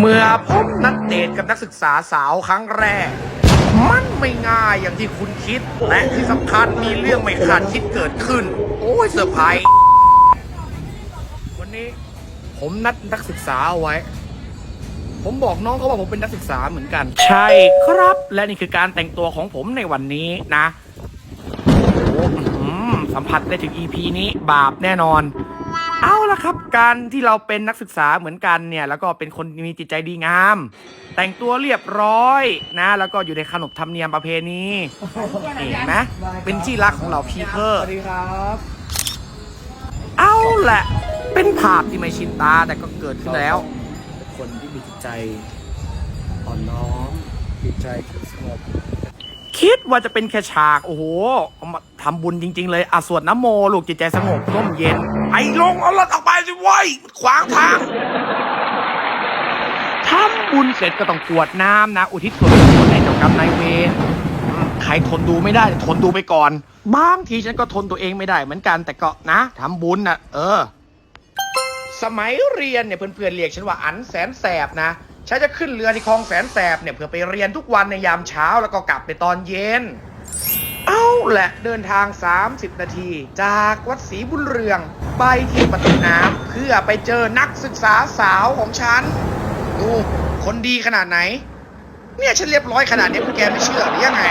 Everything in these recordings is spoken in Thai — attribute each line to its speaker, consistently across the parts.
Speaker 1: เมื่อผมนัดเดทกับนักศึกษาสาวครั้งแรกมันไม่ง่ายอย่างที่คุณคิดและที่สำคัญมีเรื่องไม่คาดคิดเกิดขึ้นโอ้ยเซอร์ไพรส์วันนี้ผมนัดนักศึกษาเอาไว้ผมบอกน้องเขาว่าผมเป็นนักศึกษาเหมือนกันใช่ครับและนี่คือการแต่งตัวของผมในวันนี้นะโอ้สัมผัสได้ถึง EP นี้บาปแน่นอนเอาละครับการที่เราเป็นนักศึกษาเหมือนกันเนี่ยแล้วก็เป็นคนมีจิตใจดีงามแต่งตัวเรียบร้อยนะแล้วก็อยู่ในขนบธรรมเนียมประเพณีเห็นไหมเป็นที่รักของเราพีเพอร์สวัสดีครับเอาแหละเป็นภาพที่ไม่ชินตาแต่ก็เกิดขึ้นแล้วคนที่มีจิตใจอ่อนน้อมจิตใจสงบคิดว่าจะเป็นแค่ฉากโอ้โหมาทำบุญจริงๆเลยสวดน้ำโมลูกจิตใจสงบร่มเย็นไอ้ลงเอารถออกไปสิเว้ยขวางทางทำบุญเสร็จก็ต้องกรวดน้ำนะอุทิศส่วนกุศลให้เจ้ากรรมนายเวรใครทนดูไม่ได้ทนดูไปก่อนบางทีฉันก็ทนตัวเองไม่ได้เหมือนกันแต่ก็นะทำบุญนะสมัยเรียนเนี่ยเพื่อนๆเรียกฉันว่าอันแสนแสบนะฉันจะขึ้นเรือที่คลองแสนแสบเนี่ยเพื่อไปเรียนทุกวันในยามเช้าแล้วก็กลับในตอนเย็นเอาแหละเดินทาง30นาทีจากวัดศรีบุญเรืองไปที่ประตูน้ำเพื่อไปเจอนักศึกษาสาวของฉันดูคนดีขนาดไหนเนี่ยฉันเรียบร้อยขนาดนี้พวกแกไม่เชื่อหรือยังไง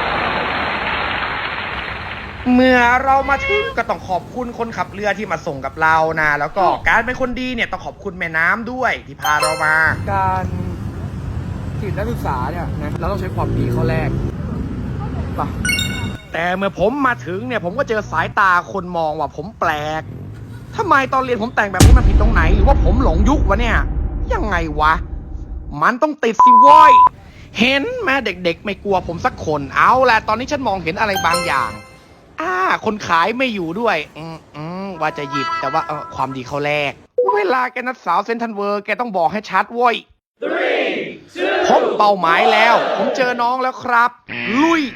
Speaker 1: เมื่อเรามาถึงก็ต้องขอบคุณคนขับเรือที่มาส่งกับเรานะแล้วก็การเป็นคนดีเนี่ยต้องขอบคุณแม่น้ำด้วยที่พาเรามาการจีบนักศึกษาเนี่ยนะเราต้องใช้ความดีเข้าแรกป่ะแต่เมื่อผมมาถึงเนี่ยผมก็เจอสายตาคนมองว่าผมแปลกทำไมตอนเรียนผมแต่งแบบนี้มันผิดตรงไหนหรือว่าผมหลงยุควะเนี่ยยังไงวะมันต้องติดสิวอยเห็นแม่เด็กๆไม่กลัวผมสักคนเอาแหละตอนนี้ฉันมองเห็นอะไรบางอย่างคนขายไม่อยู่ด้วยว่าจะหยิบแต่ว่าความดีเขาแลกเวลาแกนัดสาวเซนทันเวอร์แกต้องบอกให้ชัดเว้ยพบเป้าหมายแล้วผมเจอน้องแล้วครับลุย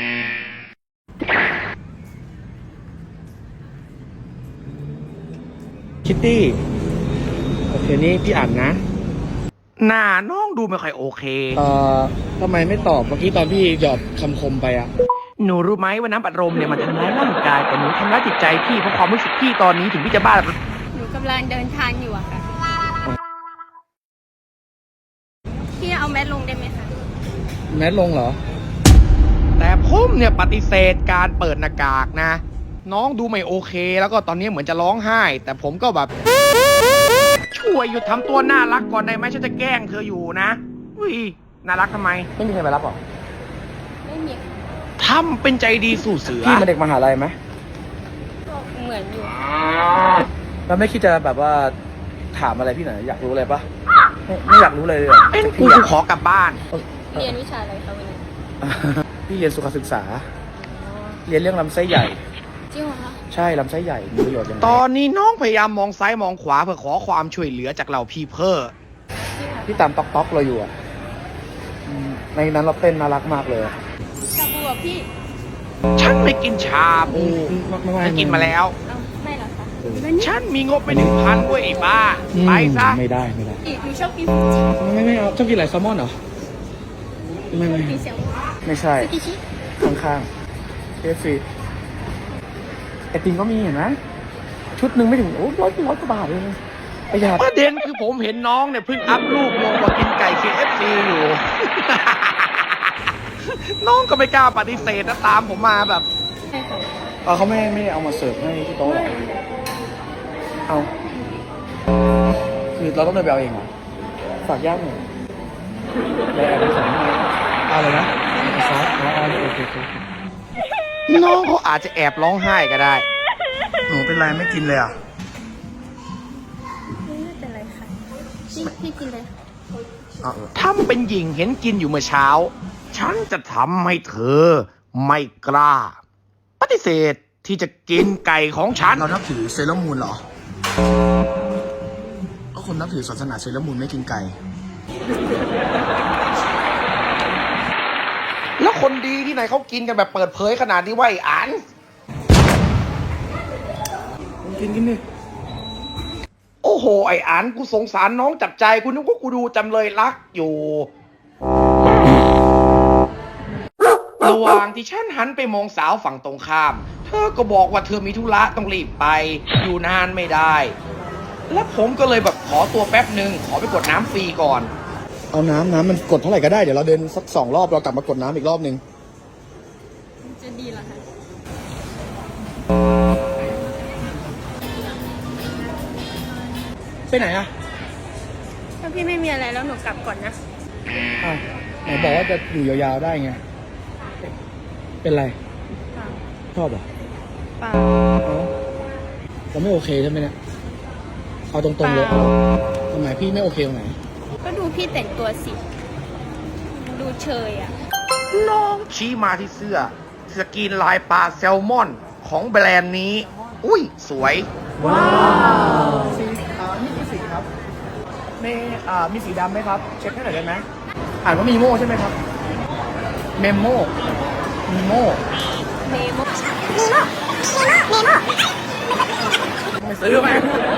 Speaker 1: คิตตี้โอเคนี่พี่อ่านนะหน้าน้องดูไม่ค่อยโอเค
Speaker 2: ทำไมไม่ตอบเมื่อกี้ตอนพี่หยอดคำคมไปอะ
Speaker 1: หนูรู้ไหมว่าน้ำอัดลมเนี่ยมันทำร้ายร่างกายแต่หนูทำร้ายจิตใจพี่เพราะความรู้สึกพี่ตอนนี้ถึงพี่จะบ้า
Speaker 3: หนูกำลังเดินทางอยู่อะค่ะพี่เอาแมสลงได้ไหมคะ
Speaker 2: แมสลงเหรอ
Speaker 1: แต่ผมเนี่ยปฏิเสธการเปิดหน้ากากนะน้องดูไม่โอเคแล้วก็ตอนนี้เหมือนจะร้องไห้แต่ผมก็แบบช่วยหยุดทำตัวน่ารักก่อนได้ไหมฉันจะแกล้งเธออยู่นะอุ้ยน่ารักทำไม
Speaker 2: ไม่มีใครมารับหรอ
Speaker 3: ไม่มี
Speaker 1: ทำเป็นใจดีสู่เสือ
Speaker 2: พี่เป็นเด็กมหาลัยไหม
Speaker 3: ก็เหมือนอยู่
Speaker 2: แล้วไม่คิดจะแบบว่าถามอะไรพี่หน่อยอยากรู้อะไรปะไม่อยากรู้เลย
Speaker 1: เป็นกูขอกลับบ้าน
Speaker 3: เรียนวิชาอะไรคะวันนี้
Speaker 2: พี่เรียนสุขศึกษาเรียนเรื่องลำไส้ใหญ่
Speaker 3: จริงเหรอคะ
Speaker 2: ใช่ลำไส้ใหญ่มีประโยชน์ยังไง
Speaker 1: ตอนนี้น้องพยายามมองซ้ายมองขวาเพื่อขอความช่วยเหลือจากเราพี่เพอ
Speaker 2: พี่ตามต๊อกเราอยู่อ่ะในนั้นเราเต้นน่ารักมากเลย
Speaker 3: ชาบูอ่ะพี่
Speaker 1: ฉันไม่กินชาบูฉันกินมาแล้ว
Speaker 3: ไม่หรอคะ
Speaker 1: ฉันมีงบไป1,000ด้วยไอ้บ้าไปซะ
Speaker 2: ไม่ได้
Speaker 3: อีกหนูชอบกิน
Speaker 2: ไม่เอาชอบกินอะไรแซลมอนเหรอไม่ไม่ใช่ข้างๆKFCไอติมก็มีเห็นไหมชุดหนึ่งไม่ถึงร้อยกว่าบาทเลย
Speaker 1: ประเด็นคือผมเห็นน้องเนี่ยเพิ่งอัพรูปลงว่ากินไก่ KFC อยู่ น้องก็ไม่กล้าปฏิเสธนะตามผมมาแบบ
Speaker 2: เขาไม่เอามาเสิร์ฟให้ที่โต๊ะเอาคือเราต้องเดินไปเอาเองเหรอฝากย่างหน่อยแล้วแอบไปสั่งอะไรนะซอสโอเค
Speaker 1: น้องเขาอาจจะแอบร้องไห้ก็ได้
Speaker 2: หนูเป็นไรไม่กินเลยอ่ะ
Speaker 3: ไม่เป็นไรค่ะพี่กินเลย
Speaker 1: ทำเป็นหญิงเห็นกินอยู่เมื่อเช้าฉันจะทำให้เธอไม่กล้าปฏิเสธที่จะกินไก่ของฉัน
Speaker 2: เรานับถือเซเลอร์มูนเหรอก็คนนับถือศาสนาเซเลอร์มูนไม่กินไก่
Speaker 1: แล้วคนดีที่ไหนเขากินกันแบบเปิดเผยขนาดนี้ว่าอ่าน
Speaker 2: กินดิ
Speaker 1: โอ้โหโหไอ้อันกูสงสารน้องจับใจกูนึกว่ากูดูจำเลยรักอยู่ ระหว่างที่ฉันหันไปมองสาวฝั่งตรงข้าม เธอก็บอกว่าเธอมีธุระต้องรีบไป อยู่นานไม่ได้ และผมก็เลยแบบขอตัวแป๊บหนึ่งขอไปกดน้ำฟรีก่อน
Speaker 2: เอาน้ำมันกดเท่าไหร่ก็ได้เดี๋ยวเราเดินสัก2 รอบเรากลับมากดน้ำอีกรอบนึง
Speaker 3: จะดีเหรอคะ
Speaker 2: ไปไหนอะ
Speaker 3: ถ้าพี่ไม่มีอะไรแล้วหนูกลับก่อนนะ
Speaker 2: อ้าวไหนบอกว่าจะอยู่ยาวๆได้ไง เป็นไร
Speaker 3: เปล่า
Speaker 2: ชอบเหรอ
Speaker 3: เปล่า
Speaker 2: เอ้าเราไม่โอเคใช่ไหมเนี่ยเอาตรงๆเลย
Speaker 3: เปล่า
Speaker 2: ทำไมพี่ไม่โอเคตรงไหน
Speaker 3: ก็ดูพี่แต่งตัวสิ ดูเชยอ่ะ
Speaker 1: น้องชี้มาที่เสื้อสกรีนลายปลาแซลมอนของแบรนด์นี้ อุ้ยสวย
Speaker 2: สีนี่คือสีครับมีสีดำไหมครับ เช็คให้หน่อยได้ไหมอ่านว่ามีโม่ใช่ไหมครับ เมมโม่มีโม่
Speaker 3: เมโม
Speaker 2: ไม่ซื้อไหม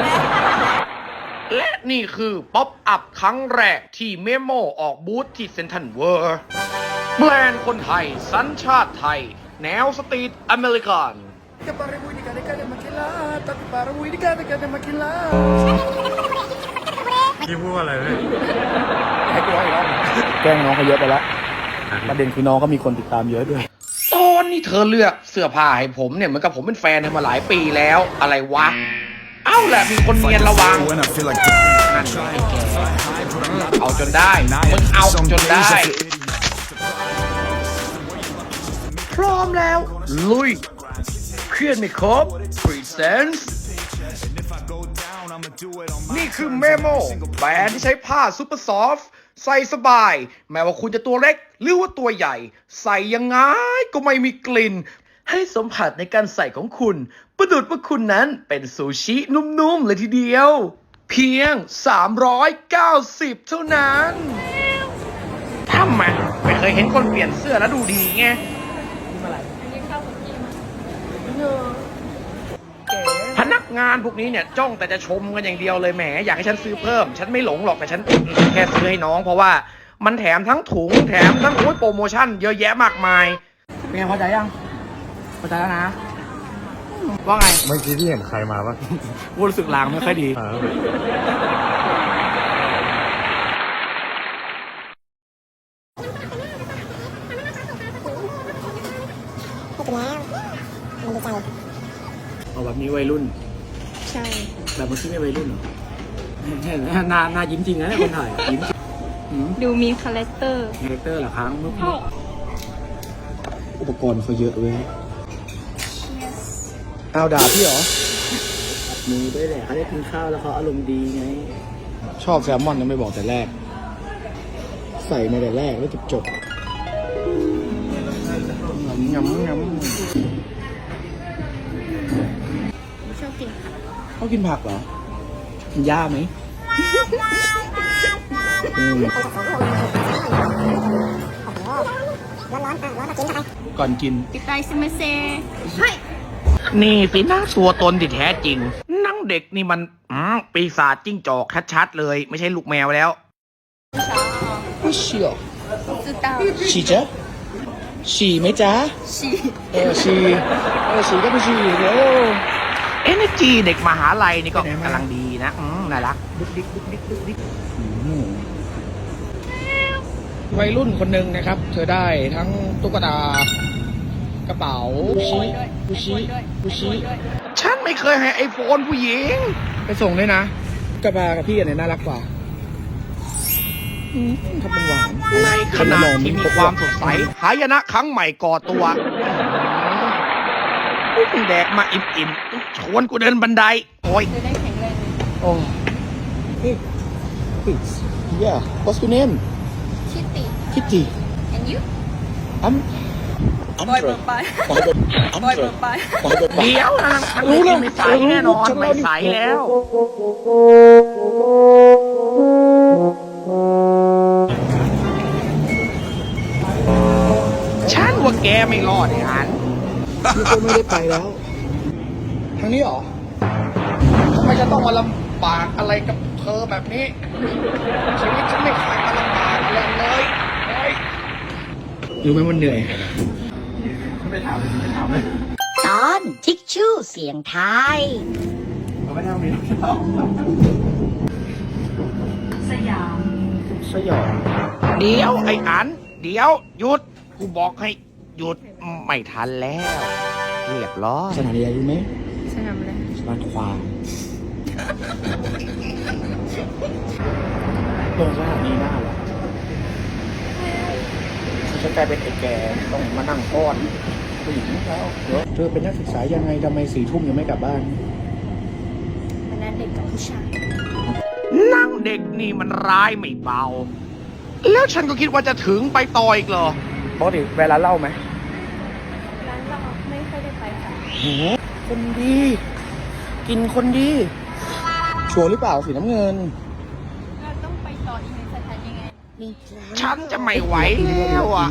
Speaker 1: และนี่คือป๊อปอัพครั้งแรกที่เมโมออกบูธที่เซนทรัลเวิร์แบรนด์คนไทย สัญชาติไทย แนวสตรีทอเมริกัน
Speaker 4: พี่พูดว่าอะไรเลย
Speaker 2: ให้กูร้องอีกรอบแกล้งน้องเขาเยอะไปแล้วประเด็นคือน้องก็มีคนติดตามเยอะด้วย
Speaker 1: ตอนนี้เธอเลือกเสื้อผ้าให้ผมเนี่ยเหมือนกับผมเป็นแฟนเธอมาหลายปีแล้วอะไรวะ เอ้าแหละมีคนเนียนระวัง
Speaker 4: When I feel like
Speaker 1: นั่นไงไอ้แกเอาจนได้มึงเอาจนได้ พร้อมแล้ว ลุยเครียดไม่ครบ Presents นี่คือเมโมแบรนด์ที่ใช้ผ้าซูเปอร์ซอฟต์ใส่สบาย แม้ว่าคุณจะตัวเล็กหรือว่าตัวใหญ่ ใส่ยังไงก็ไม่มีกลิ่น ให้สัมผัสในการใส่ของคุณ ประดุดว่าคุณนั้นเป็นซูชินุ่มๆเลยทีเดียว เพียง 390 เท่านั้นทำไมไม่เคยเห็นคนเปลี่ยนเสื้อแล้วดูดีไง
Speaker 3: อันนี้เข้ากับพี่มั้ย
Speaker 1: พนักงานพวกนี้เนี่ยจ้องแต่จะชมกันอย่างเดียวเลยแหมอยากให้ฉันซื้อเพิ่ม ฉันไม่หลงหรอกแต่ฉันแค่ซื้อให้น้องเพราะว่ามันแถมทั้งถุงแถมทั้งโปรโมชั่นเยอะแยะมากมาย
Speaker 2: เป็นไงพอใจยังพอใจแล้วนะ ว่าไง
Speaker 4: เมื่อกี้พี่เห็นใครมาปะ
Speaker 2: กูรู้สึกลางไม่ค่อยดี เอาแบบนี้วัยรุ่น
Speaker 3: ใช่
Speaker 2: แบบเมื่อกี้ไม่วัยรุ่นเหรอหน้ายิ้มจริงนะเนี่ยคนถ่ายยิ้มจริง
Speaker 3: ดูมีคาแรคเตอร์
Speaker 2: คาแรคเตอร์เหรอครับอุปกรณ์เขาเยอะเว้ยเอาด่าพี่เหรอมือด้วยแหละเขาได้กินข้าวแล้วเขาอารมณ์ดีไง ชอบแซลมอนยังไม่บอกแต่แรก ใส่มาแต่แรกแล้วจบยำ
Speaker 3: ชอบกินผัก
Speaker 2: เขากินผักเหรอ กินหญ้าไหมก่อนกิน
Speaker 3: ติดไตซิมาเซเฮ้ย
Speaker 1: นี่สินะตัวตนที่แท้จริงนังเด็กนี่มันปีศาจจิ้งจอกชัดๆเลย ไม่ใช่ลูกแมวแล้ว
Speaker 2: ไม่เชี่ยว
Speaker 3: 知道
Speaker 2: ฉี่จ๊ะฉี่ไหมจ๊ะ
Speaker 3: 洗
Speaker 2: ฉี่ฉี่ก็ไม่ฉี่เดี๋ยว
Speaker 1: Energy เด็กมหาลัยนี่ก็
Speaker 2: ไปไหนมา
Speaker 1: กำลังดีนะน่ารักดุกดิกดุกดิกดุกดิก
Speaker 2: วัยรุ่นคนหนึ่งนะครับ เธอได้ทั้งตุ๊กตา กระเป๋ากุชิ
Speaker 1: ฉันไม่เคยให้ไอโฟนผู้หญิง
Speaker 2: ไปส่งด้วยนะกระบากับพี่อันไหนน่ารักกว่าทำเป็นหวาน
Speaker 1: ในขณะที่มีความสดใสหายนะครั้งใหม่ก่อตัวกูแดกมาอิ่มๆชวนกูเดินบันได โอ้ย
Speaker 3: จะได้แข็งแรงเลย
Speaker 2: โอ้yeah what's your name
Speaker 3: ชิติ
Speaker 2: Kitty
Speaker 3: and you
Speaker 2: I'm
Speaker 3: บอยเบิร์ดไปบอยเบิร์ดไป
Speaker 1: เดี๋ยวนะทางนี้ไม่ใสแน่นอนไม่ใสแล้ว ฉันว่าแกไม่รอดไอ้หัน
Speaker 2: นี่ก็ไม่ได้ไปแล้ว ทางนี้เหรอทำไมจะต้องมาล
Speaker 1: ำบากอะไรกับเธอแบบนี้ ชีวิตฉันไม่เคยมาลำบากเลยเลยเฮ้ย
Speaker 2: รู้ไหมมันเหนื่อย
Speaker 5: ตอนทิกชู่เสียงไทาย
Speaker 2: สยอง
Speaker 1: เดี๋ยวไอ้อัน เดี๋ยวหยุด กูบอกให้หยุดไม่ทันแล้ว เรียบร้อย
Speaker 2: สถานีอะไรรู้ไหม
Speaker 3: สนามอะไร
Speaker 2: สนามควายเรื่องสถานีหน้าหรอจะกลายเป็นไอ้แกต้องมานั่งก้อนผู้หญิงแล้วเดี๋ยวเธอเป็นนักศึกษายังไงทำไม4 ทุ่มยังไม่กลับบ้าน
Speaker 3: วันนั้นเด็กกับผู้ชาย
Speaker 1: นั่งเด็กนี่มันร้ายไม่เบา แล้วฉันก็คิดว่าจะถึงไปต่ออีกเหรอ
Speaker 2: ปกติเวลาเล่าไหม
Speaker 3: ร้านเราไม่ค่อยได้ไปค่ะ
Speaker 2: โหคนดี กินคนดี ชัวร์หรือเปล่าสีน้ำเงิน
Speaker 3: เราต้องไปต่ออีกในสถานีไง
Speaker 1: ฉันจะไม่ไหวแล้วอ่ะ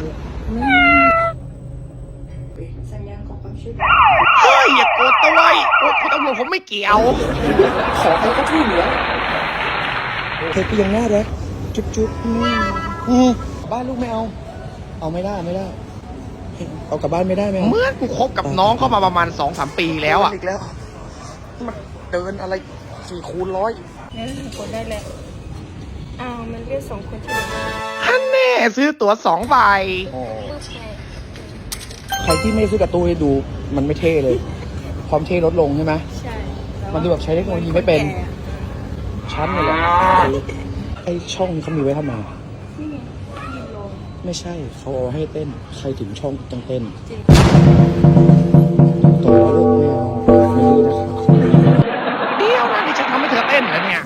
Speaker 3: สัญญาณของความช่วย
Speaker 1: เฮ้ย อย่าโกรธตัวไว้คุณตำรวจผมไม่เกี่ยว
Speaker 2: ขอใครก็ช่วยเหลือเธอก็ยังน่ารักจุ๊บบ้านลูกไม่เอา เอาไม่ได้ เอากลับบ้านไม่ได้ไหม
Speaker 1: เหมื่อนกูคบกับน้องเข้ามาประมาณ 2-3 ปีแล้วอ่ะ
Speaker 2: อีกแล้วมันเดินอะไร4 คูณ 100
Speaker 3: งั้นกดได้แล้วอ้าวมันเรียก2 คนที่ไหน
Speaker 1: ฮันแน่ซื้อตั๋ว2 ใบ
Speaker 3: ปึ๊บไง
Speaker 2: ใครที่ไม่ซื้อการ์ตูนให้ดูมันไม่เท่เลย ความเท่ลดลงใช่ไหม
Speaker 3: ใช่
Speaker 2: มันดูแบบใช้เทคโนโลยีไม่เป็น ชั้นนี่แหละไอช่องนี้เขามีไว้ทำไม
Speaker 3: นี่ไงยืนลง
Speaker 2: ไม่ใช่เขาเอาให้เต้น ใครถึงช่องต้องเต้น
Speaker 3: จริง
Speaker 2: โตลูกไม่เอาไม่ดีนะครับ
Speaker 1: เดี๋ยวนะนี่ฉันทำให้เธอเต้นเหรอเนี่ย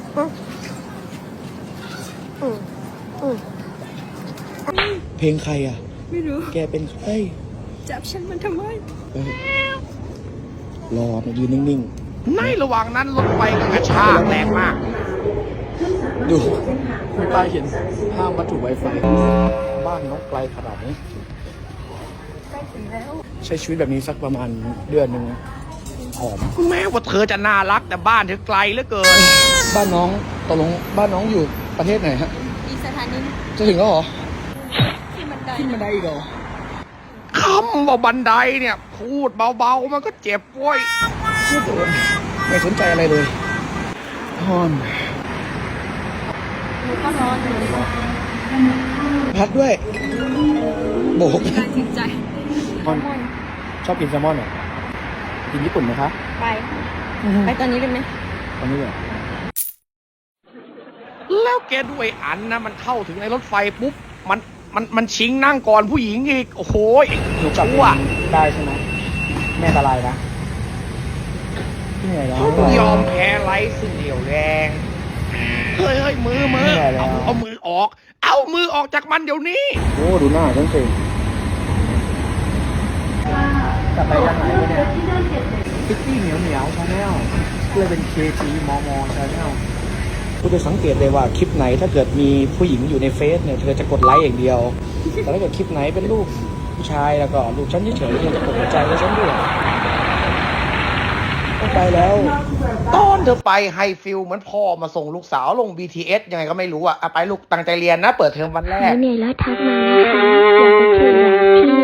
Speaker 2: เพลงใครอ่ะ
Speaker 3: ไม่รู้
Speaker 2: แกเป็นใคร
Speaker 3: จับฉันมันทำไม
Speaker 2: เอ้ยรอมายืนนิ่ง
Speaker 1: ในระหว่างนั้นรถไฟก็กระชากแรงมาก
Speaker 2: ๆ ดูมีป้ายเขียนห้ามวัตถุไวไฟบ้านน้องไกลขนาดนี้
Speaker 3: ใกล้ถึงแล้ว
Speaker 2: ใช้ชีวิตแบบนี้สักประมาณเดือนหนึ่งหอม
Speaker 1: แม้ว่าเธอจะน่ารักแต่บ้านเธอไกลเหลือเกิน
Speaker 2: บ้านน้องตกลงบ้านน้องอยู่ประเทศไหนฮะ
Speaker 3: อีกสถานีนึง
Speaker 2: จะถึงแล้วเหรอ
Speaker 3: ที่บันได
Speaker 2: ขึ้นมาได้อีกเหรอ
Speaker 1: คำว่าบันไดเนี่ย พูดเบาๆ มันก็เจ็บเว้ย
Speaker 2: ไม่สนใจอะไรเลยฮอน
Speaker 3: หนูก็ร้อนอยู่
Speaker 2: พัดด้วย โบก
Speaker 3: การตัดสินใจ
Speaker 2: ฮอนชอบกินแซลมอนเหรอกินญี่ปุ่นไหมคะ
Speaker 3: ไป ไปตอนนี้เลยไหม
Speaker 2: ตอนนี้เหรอ
Speaker 1: แล้วแกด้วยอันนะมันเข้าถึงในรถไฟปุ๊บ มันชิงนั่งก่อนผู้หญิงอีก โอ้โห
Speaker 2: หนูกลับ
Speaker 1: ชั่ว
Speaker 2: ได้ใช่ไหมแม่อันตรายนะเหนื่อยแล้ว
Speaker 1: ยอมแพ้ไร้ซึ่งเดี่ยวแรง เฮ้ยมือ
Speaker 2: เหนื่อยแล้ว
Speaker 1: เอามือออก เอามือออกจากมันเดี๋ยวนี้
Speaker 2: โอ้ดูหน้าฉันสิกลับไปยังไงวะเนี่ยพิตตี้เหนียวชาแนลเพื่อเป็นเคทีมอชาแนลคุณจะสังเกตเลยว่าคลิปไหนถ้าเกิดมีผู้หญิงอยู่ในเฟซเนี่ยเธอจะกดไลค์อย่างเดียว แต่ถ้าเกิดคลิปไหนเป็นรูปผู้ชายแล้วก็รูปฉันเฉยๆเธอจะกดหัวใจให้ฉันด้วยต้องไปแล้ว
Speaker 1: ตอนเธอไปไฮฟิลเหมือนพ่อมาส่งลูกสาวลง BTS ยังไงก็ไม่รู้อ่ะไปลูกตั้งใจเรียนนะ เปิดเทอมวันแรก
Speaker 5: เหนื่อยแล้วทักมานะคะอยากไปคุยกับ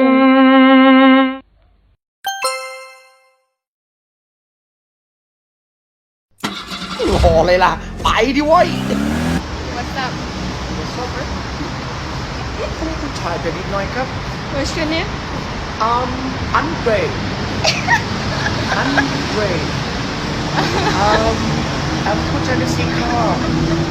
Speaker 5: พี่
Speaker 1: รอเลยล่ะ ไปดิเว้ย
Speaker 3: What's up
Speaker 1: ผู้ชายเป็นนิดหน่อยครับ
Speaker 3: What's your name
Speaker 1: Andre I'mผู้ชายในสีขาว